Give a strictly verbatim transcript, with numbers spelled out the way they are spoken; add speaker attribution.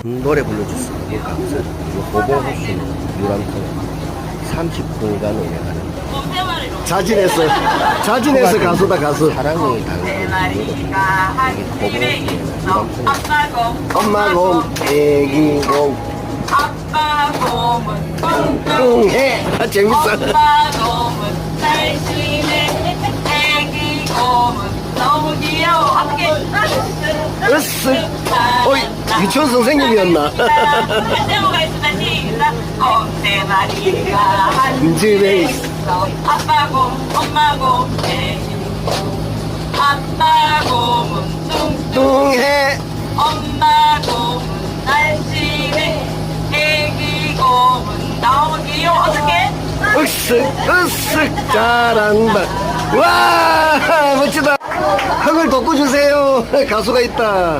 Speaker 1: 노래 불러줬어. 이 감사. 호보호수는 유람선 삼십 분간 운행하는 자진해서 자진해서 가수다 가수. 사랑을 담긴 호보호수는 엄마곰 애기곰
Speaker 2: 아빠곰은
Speaker 1: 뚱뚱해. 아, 재밌어.
Speaker 2: 엄마곰은 날씬해 애기곰은 너무 귀여워 함께
Speaker 1: 으쓱. 어이, 유치원 선생님이었나?
Speaker 2: 제모가 있으면 시작 곰대마리가 한
Speaker 1: 집에
Speaker 2: 있어 아빠곰 엄마곰 애기곰 아빠곰은 뚱뚱
Speaker 1: 뚱해.
Speaker 2: 엄마곰은 날씬해 애기곰은 너무 귀여워 어떡해?
Speaker 1: 으쓱 으쓱 잘한다. 와 멋지다. 흥을 돋궈주세요. 가수가 있다.